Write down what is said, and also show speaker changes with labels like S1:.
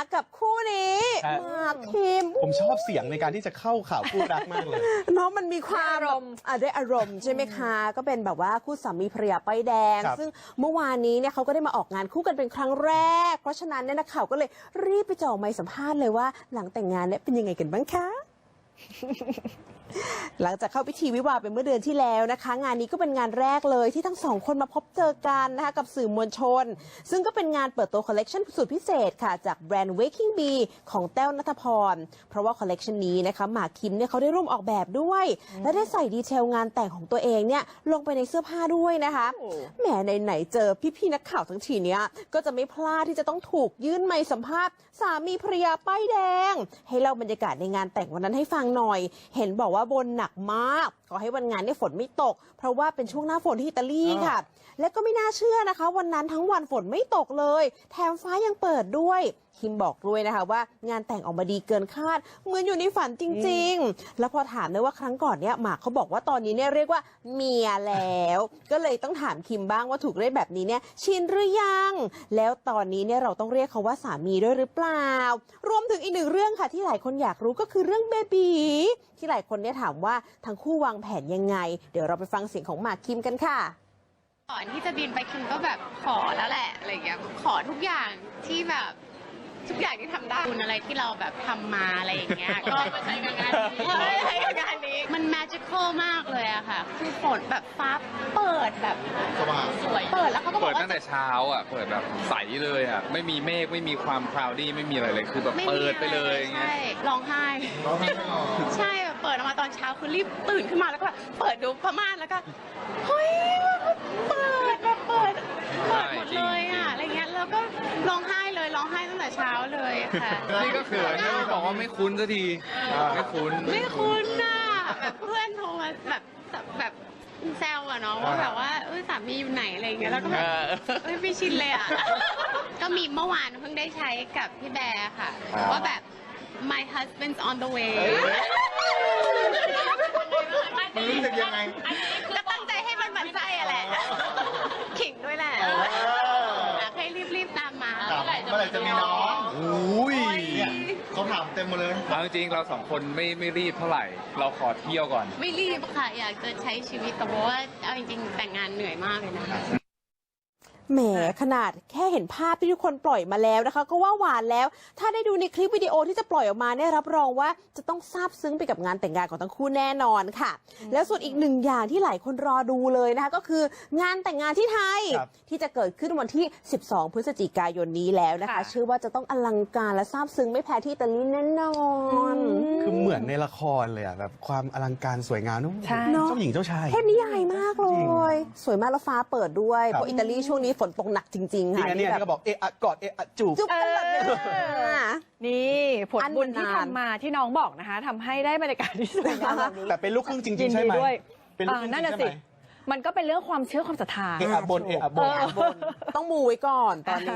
S1: กับคู่นี้หมากคิม
S2: ผมชอบเสียงในการที่จะเข้าข่าวคู่รักมากเลย
S1: น้องมันมีความอารมณ์ด้วยอารมณ์ใช่ไหมคะก็เป็นแบบว่าคู่สามีภรรยาป้ายแดงซึ่งเมื่อวานนี้เนี่ยเขาก็ได้มาออกงานคู่กันเป็นครั้งแรกเพราะฉะนั้นเนี่ยนักข่าวก็เลยรีบไปจ่อไมค์สัมภาษณ์เลยว่าหลังแต่งงานเนี่ยเป็นยังไงกันบ้างคะ หลังจากเข้าพิธีวิวาห์ไปเมื่อเดือนที่แล้วนะคะงานนี้ก็เป็นงานแรกเลยที่ทั้งสองคนมาพบเจอกันนะคะกับสื่อมวลชนซึ่งก็เป็นงานเปิดตัวคอลเลกชันสุดพิเศษค่ะจากแบรนด์ Waking Bee ของแต้วณัฐพรเพราะว่าคอลเลกชันนี้นะคะหมากคิมเนี่ยเขาได้ร่วมออกแบบด้วยและได้ใส่ดีเทลงานแต่งของตัวเองเนี่ยลงไปในเสื้อผ้าด้วยนะคะแหมไหนๆเจอพี่ๆนักข่าวทั้งทีเนี้ยก็จะไม่พลาดที่จะต้องถูกยื่นไมค์สัมภาษณ์สามีภรรยาป้ายแดงให้เล่าบรรยากาศในงานแต่งวันนั้นให้ฟังหน่อยเห็นบอกว่าบนหนักมากขอให้วันงานเนี่ยฝนไม่ตกเพราะว่าเป็นช่วงหน้าฝนที่อิตาลีค่ะและก็ไม่น่าเชื่อนะคะวันนั้นทั้งวันฝนไม่ตกเลยแถมฟ้ายังเปิดด้วยคิมบอกด้วยนะคะว่างานแต่งออกมาดีเกินคาดเหมือนอยู่ในฝันจริงๆแล้วพอถามเลยว่าครั้งก่อนเนี่ยหมากเขาบอกว่าตอนนี้เนี่ยเรียกว่าเมียแล้วก็เลยต้องถามคิมบ้างว่าถูกเรียกแบบนี้เนี่ยชินหรือยังแล้วตอนนี้เนี่ยเราต้องเรียกเขาว่าสามีด้วยหรือเปล่ารวมถึงอีกหนึ่งเรื่องค่ะที่หลายคนอยากรู้ก็คือเรื่องเบบีที่หลายคนเนี่ยถามว่าทั้งคู่วางแผนยังไงเดี๋ยวเราไปฟังเสียงของหมากคิมกันค่ะ
S3: ก่อนที่จะบินไปคิมก็แบบขอแล้วแหละอะไรอย่างเงี้ยขอทุกอย่างที่แบบทุกอย่างที่ทำได้คุณอะไรที่เราแบบทำมาอะไรอย่างเงี้ยก็มาใช้กับงานนี้ใช้กับงานนี้มัน magical มากเลยอะค่ะคือฝนแบบฟ้าเปิดแบบสวยเปิดแล้วเขาก็บอกว่า
S4: เปิดตั้งแต่เช้าอ่ะเปิดแบบใสเลยอ่ะไม่มีเมฆไม่มีความคลาวดี้ไม่มีอะไรเลยคือแบบเปิดไปเลยอย่างเงี้ย
S3: ร้องไห้ใช่แบบเปิดออกมาตอนเช้าคือรีบตื่นขึ้นมาแล้วก็แบบเปิดดูผ้าม่านแล้วก็เฮ้ยเปิดแบบเปิดหมดเลยอ่ะอะไรเงี้ยแล้วก็ร้องไห้เลยร้องไห้ตั้งแต่เช้าเลยค่ะ
S4: นี่ก็เขินนะบอกว่าไม่คุ้นสักทีไม่คุ้น
S3: น่ะแบบเพื่อนโทรมาแบบแซวอะเนาะว่าแบบว่าสามีอยู่ไหนอะไรอย่างเงี้ยแล้วก็แบบไม่ชินเลยอะก็มีเมื่อวานเพิ่งได้ใช้กับพี่แบร์ค่ะว่าแบบ my husband's on the way
S2: มันรู้สึกยังไง
S3: ก็ตั้งใจให้มันหมั่นไส้อะแหละขิงด้วยแหละให้รีบตามมา
S2: เมื่อไหร่จะมีน้องอุ้ยเนี่ยเขาถามเต็มหมดเลย
S4: เอาจริงเราสองคนไม่รีบเท่าไหร่เราขอเที่ยวก่อน
S3: ไม่รีบค่ะอยากจะใช้ชีวิตแต่ว่าเอาจริงๆแต่งงานเหนื่อยมากเลยนะคะ
S1: แหมขนาดแค่เห็นภาพที่ทุกคนปล่อยมาแล้วนะคะก็ว่าหวานแล้วถ้าได้ดูในคลิปวิดีโอที่จะปล่อยออกมาเนี่ยรับรองว่าจะต้องซาบซึ้งไปกับงานแต่งงานของทั้งคู่แน่นอนค่ะแล้วส่วนอีกหนึ่งอย่างที่หลายคนรอดูเลยนะคะก็คืองานแต่งงานที่ไทยที่จะเกิดขึ้นวันที่12พฤศจิกายนนี้แล้วนะคะเชื่อว่าจะต้องอลังการและซาบซึ้งไม่แพ้ที่อิตาลีแน่นอน
S2: คือเหมือนในละครเลยอ่ะแบบความอลังการสวยงามนุ่มเจ้าหญิงเจ้าชาย
S1: เทพนิยายมากเลยสวยมากแล้วฟ้าเปิดด้วยเพราะอิตาลีช่วงนี้ฝนตกหนักจริงๆค่ะ
S2: นี่ก็บอกเอะกอดเอะจูบ
S1: กันแบบนี้
S5: นี่ผลบุญที่ทำมาที่น้องบอกนะคะทำให้ได้บรรยากาศที่สวยงามแบบนี้
S2: แต่เป็นลูกครึ่งจริงๆใช่ไหม
S5: เป็นลูกครึ่งนั่นน่ะสิมันก็เป็นเรื่องความเชื่อความศรัทธา
S2: เอะบน
S1: ต้องมูไว้ก่อนตอนนี้